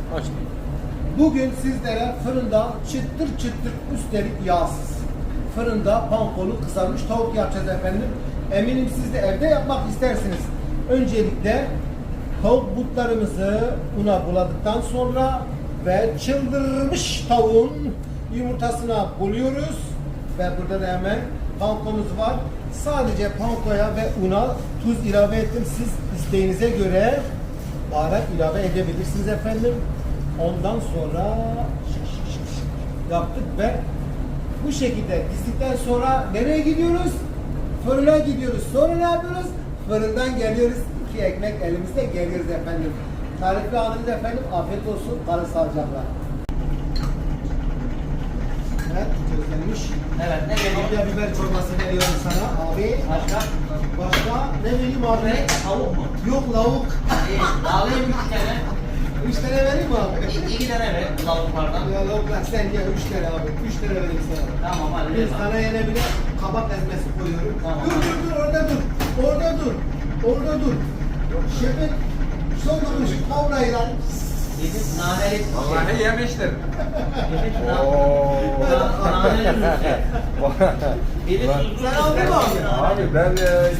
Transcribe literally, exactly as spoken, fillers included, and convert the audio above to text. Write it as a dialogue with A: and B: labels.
A: Açtım.
B: Bugün sizlere fırında çıtır çıtır, üstelik yağsız, fırında pankolu kızarmış tavuk yapacağız efendim. Eminim siz de evde yapmak istersiniz. Öncelikle tavuk butlarımızı una buladıktan sonra ve çıldırmış tavuğun yumurtasına buluyoruz. Ve burada da hemen pankomuz var. Sadece pankoya ve una tuz ilave ettim. Siz isteğinize göre baharat ilave edebilirsiniz efendim. Ondan sonra yaptık ve bu şekilde dizdikten sonra nereye gidiyoruz? Fırına gidiyoruz. Sonra ne yapıyoruz? Fırından geliyoruz. İki ekmek elimizde geliyoruz efendim. Tarifli alınız efendim. Afiyet olsun. Kalın sağlıcakla. Evet, közlenmiş.
C: Evet, ne vereyim?
B: Kapya biber çorbası veriyorum sana abi.
C: Başka?
B: Başka ne vereyim abi?
C: Ne? Tavuk mu?
B: Yok, lavuk.
C: İyi, alayım üç tane.
B: Üç tane vereyim mi abi?
C: İki, iki tane ver tavuklardan.
B: Ya lavuklar sen gel, üç tane abi. Üç tane vereyim sana.
C: Tamam hadi
B: Bir
C: ver bana.
B: sana yine bir de kabak ezmesi koyuyorum.
C: Tamam.
B: Dur dur dur, orada dur. Orada dur. Orada dur. Şefin sokulmuş kavrayla.
C: Bizim naneli
A: Vallahi yemiştir.
C: Bizim
A: Oo.
C: naneli Biri tuzlu.
B: Sen aldın mı abi?
A: Abi ben e,